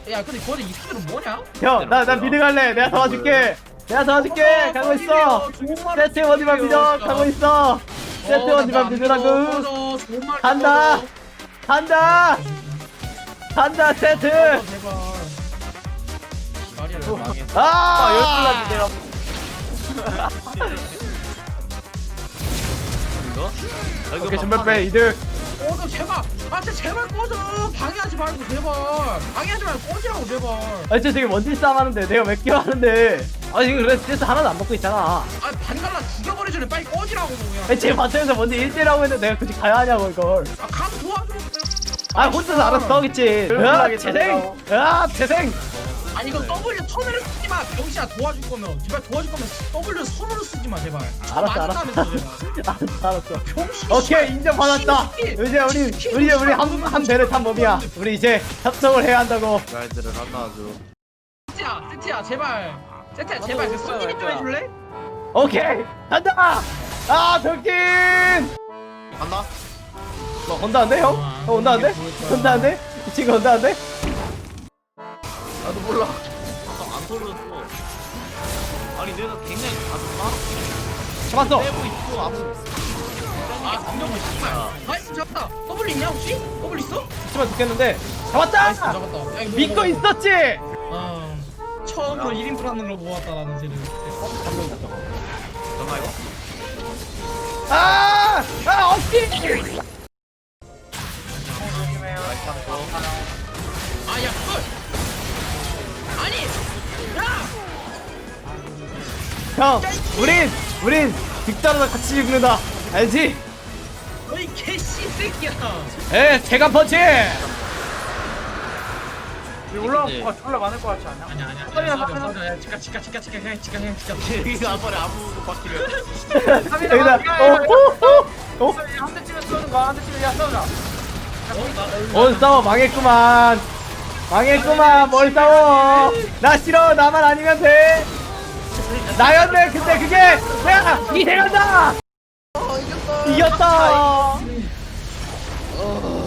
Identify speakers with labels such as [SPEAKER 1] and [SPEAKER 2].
[SPEAKER 1] 야 근데 거기 이 스킬은 뭐냐?
[SPEAKER 2] 형, 나 미드 갈래. 내가 도와줄게. 가고 있어. 세트 원이만 믿어. 가고 있어. 세트 원이만 믿으라고. 간다. 세트.
[SPEAKER 1] 제발.
[SPEAKER 2] 아,
[SPEAKER 3] 내가 이거?
[SPEAKER 2] 오케이, 전멸 빼. 이득.
[SPEAKER 1] 꺼져 제발. 진짜 제발 꺼져. 방해하지 말고 제발. 방해하지 말고 꺼지라고 제발.
[SPEAKER 2] 진짜 저기 원딜 싸움 하는데 내가 몇 개 하는데. 지금 그래 스트레스 하나도 안 받고 있잖아.
[SPEAKER 1] 반갈라 죽여버리기 전에 빨리 꺼지라고 그냥.
[SPEAKER 2] 제 바텀에서 원딜 1대1하고 했는데 내가 굳이 가야 하냐고 이걸.
[SPEAKER 1] 가면 도와줘.
[SPEAKER 2] 혼자서 알아서 싸우겠지. 재생.
[SPEAKER 1] 아니 이거 W 턴을 쓰지 마. 병신아 도와줄 거면 제발 도와줄 거면 W 선으로 쓰지 마 제발.
[SPEAKER 2] 알았어.
[SPEAKER 1] 병신.
[SPEAKER 2] 오케이, 인정받았다. 이제 우리 한 배를 탄 몸이야. 우리 이제 협정을 해야 한다고.
[SPEAKER 3] 말들을 하나 줘.
[SPEAKER 1] 세트야 제발. 세트야 제발 그 손님이 좀 해줄래?
[SPEAKER 2] 오케이, 간다. 병신.
[SPEAKER 3] 갔나?
[SPEAKER 2] 온다는데 형? 온다는데? 이 친구 온다는데?
[SPEAKER 3] 나도 몰라. 안 돌렸어. 아니 내가 굉장히 가졌나?
[SPEAKER 2] 잡았어.
[SPEAKER 3] 빼고 있고 아무.
[SPEAKER 1] 감정은 씨발. 나이스 잡았다. W 있냐 혹시? W 있어?
[SPEAKER 2] 하지만 죽겠는데.
[SPEAKER 1] 나이스
[SPEAKER 2] 잡았다.
[SPEAKER 1] 잡았다. 야, 이거
[SPEAKER 2] 믿고
[SPEAKER 1] 먹어.
[SPEAKER 2] 있었지.
[SPEAKER 1] 처음으로 1인분 하는 걸 모았다 나는 쟤는.
[SPEAKER 3] 전화 이거?
[SPEAKER 2] 어찌?
[SPEAKER 1] 아야 헐. 아니. 야.
[SPEAKER 2] 형, 우린 빅다르다 같이 죽는다. 알지?
[SPEAKER 1] 너희 개씨 새끼야.
[SPEAKER 2] 제가 펀치.
[SPEAKER 3] 올라가
[SPEAKER 4] 졸라 많을 것 같지 않냐?
[SPEAKER 1] 아니야. 야, 치카.
[SPEAKER 3] 여기가 한 번에 아무 바퀴를.
[SPEAKER 2] 여기다.
[SPEAKER 4] 한 대 치면 쏘는 거야. 한 대 치면 야 싸우자.
[SPEAKER 2] 싸워. 망했구만. 뭘 싸워. 나 싫어. 나만 아니면 돼. 나였네. 근데 그게 내가 이 대간다. 이겼다.